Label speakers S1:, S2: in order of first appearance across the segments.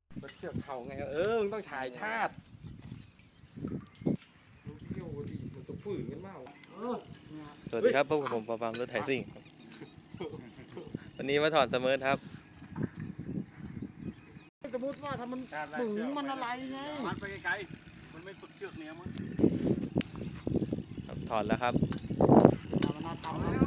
S1: เชือกเขาไงมึงต้องถ่ายชาติเที่ยวดิมันต้องฝืนกันเปล่า
S2: สวัสดีครับพบกับผมปอปามรถไถซิ่งวันนี้มาถอดเสมอครับ
S3: สมมติว่าถ้ามันปึงมันอะไรไง
S4: มันไปไกลๆมันไม่สุดเชือกเนี้ยมั้ง
S2: ถอดแล้วครับ
S3: มันน่าทำแล้ว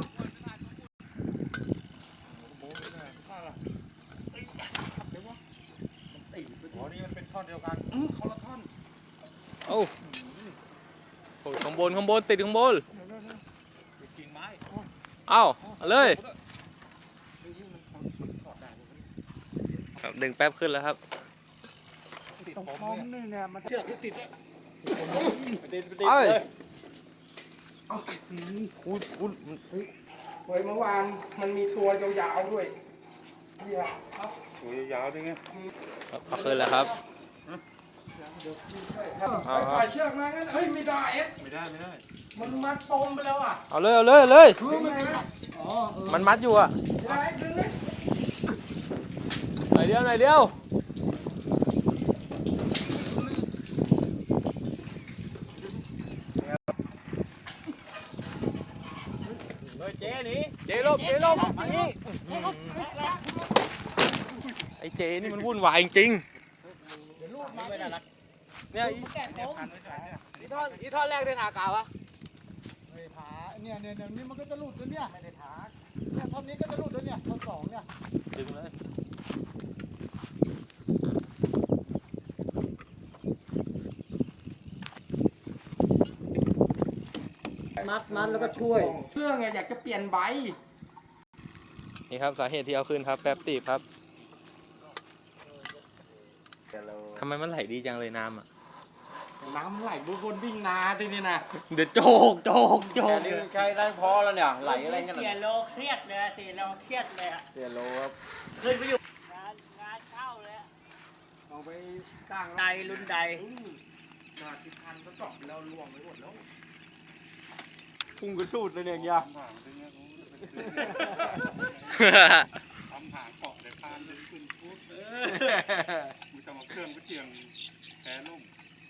S1: อ๋อนี่มันเป็นท่อนเดียวกันคนละท่อน
S2: โอ้ข้างบนติดข้างบน
S4: กิ่งไม้
S2: เอ้าเลยดึงแป๊บขึ้นแล้วครับ
S3: ตรงท้องนี่เนี่ยมัน
S4: เชือกที่ติด
S2: เอ้ย
S1: เฮ้ยเมื่อวานมันมีตัวยาวๆด้วยนี่ครับ
S4: ตัวยาวๆด้วยไง
S2: เอาขึ้นแล้วครับ
S1: ถ่ายเชือกมางั้นไม่ได้
S4: ไม่ได้
S1: มันมัดปมไปแล้วอ่ะ
S2: เอาเลยมันมัดอยู่อ่ะหน่อยเดียวเจลบมานี่ไอ้เจนี่มันวุ่นวายจริงเนี่ยอีท่อนแรกได้ถากาวะ
S3: ไม่ถาเนี่ยนี่มันก็จะหลุดแล้วเนี่ยไม่ได้ถาเนี่ยท่อนนี้ก็จะหลุดแล้วเนี่ยท่อนสองเนี่ย
S2: ดึงเลย
S3: มัดแล้วก็ช่วย
S1: เครื่องอยากจะเปลี่ยนใบ
S2: นี่ครับสาเหตุที่เอาขึ้นครับแป๊บตีบครับทำไมมันไหลดีจังเลยน้ำอ่ะ
S1: น้ำไหลบนวิ่งนาทีนี้นะ
S2: เดี๋ยวโจก
S1: นี่ใช้ได้พอแล้วเนี่ยไหลอะไรกัน
S5: เสียโลเครียดเลยเสียโลอ่ะ
S1: เสียโลครับ
S5: ขึ้นไปอยู่งานเข้าเลย
S1: เอาไปตั้ง
S5: ใดรุ่นใด
S1: 10,000ก็จบแล้วล่วงไปหมดแล้ว
S2: พุ่งกระสูดเลยเนี่ยยา
S4: ทำหางเกาะในพานเลยขึ้นปุ๊บมีแต่มาเครื่องก็เจียงแพ้ล่ม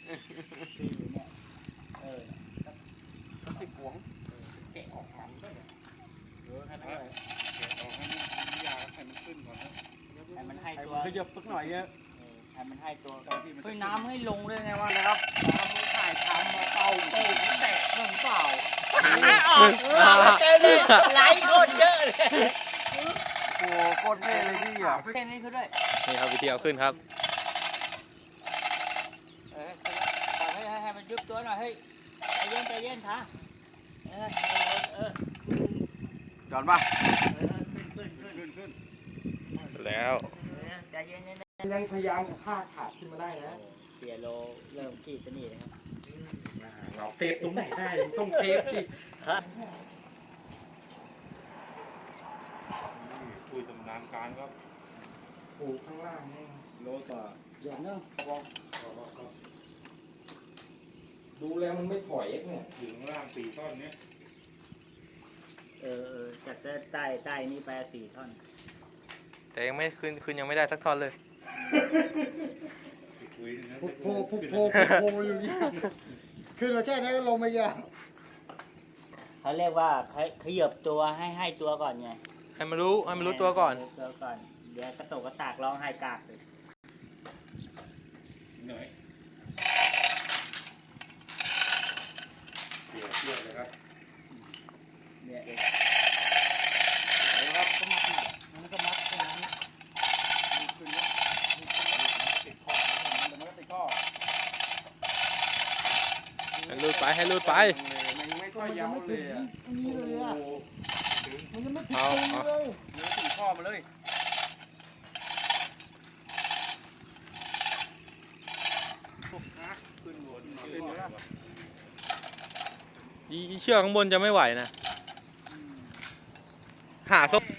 S1: 10 หวงแกะออกมันด้วย
S4: แค่นั้นเลยแกะออกให้มันยาให้มันขึ้นก่อนนะ
S5: ให้มันให้ตัว
S1: ขยับสักหน่อยเนี่ย
S5: ให้มันให้ตัวเฮ้ยน้ำให้ลงด้วยไงวะ
S1: นะครับน้ำมือถ่ายทำมาเป่าแตกเรื่องเปล่า
S5: เจนี่ไหลโคตรเยอะเลย
S1: โอ้โคตรเท่เลยพี่อ่ะ
S5: เท่นี้เขาด้วย
S2: นี่ครับวิธีเอาขึ้นครับ
S5: ให้มันยุบตัวหน่อยเฮ้ยใจเย็นท่า
S1: จอดป่ะ
S4: ขึ้น
S2: แล้ว
S5: ใจเย็น
S1: ยังพยายามฆ่าขาดขึ้นมาได้นะ
S5: เสียโลเริ่มขีดจะหนีนะครับ
S1: เราเทปตรงไหนได้ต้องเทปสิ
S4: คุยสำนานการครับ
S1: โอ้ข้างล่างนี่
S4: โลต่อ
S3: อย่างนั้น
S1: ดูแล้วมันไม่ถอยเนี่ย
S4: ถึงล่าง4 ท่อนเนี้ย
S5: จากใต้นี่ไป4 ท่อน
S2: แต่ยังไม่ขึ้นยังไม่ได้สักท่อนเลย
S3: โผล่อยู่นี่คือเราแค่นั้นก็ลงไปยา
S5: เขาเรียกว่าขยับตัวให้ตัวก่อนไง
S2: ให้มันรู้ตัวก่อน
S5: เดี๋ยวกระตุกกระตากร้องไห้กากเลย
S4: เหนื่อยเสียเลยครับ
S5: เนี่ย
S3: ครับก็มัดมันก็มัดตรงนั้น
S4: ขึ้นแล้วติดข้อมันก็ติดข้อ
S2: ให้รูดไป
S1: มันไม่ค่อยยาวเลยอ่ะ
S3: นี่เลยอ่ะมันยังไม่ถึงเลย
S1: ยังถึงข้อมาเลย
S2: อีเชือกข้างบนจะไม่ไหวนะหาซบ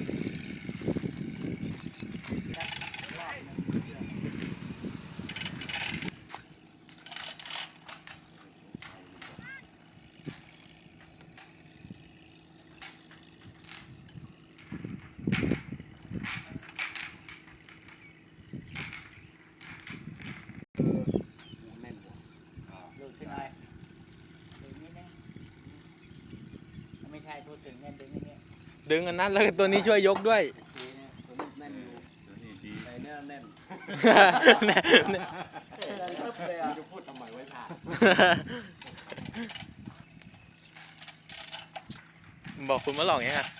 S5: ช่พูดถึงเนี่ยดึงอย่างเงี้ย
S2: ดึงอันนั้นแล้วก็ตัวนี้ช่วยยกด้วย
S6: ดีนะตัวนี้แน่นอยู่
S4: นี่ดี
S6: แต่เนี่ยแน่น
S2: เนี่ย
S6: เลยอ่ะจะพูดทำไมไว้ถ่าย
S2: บอกคุณมาหลอกยังไง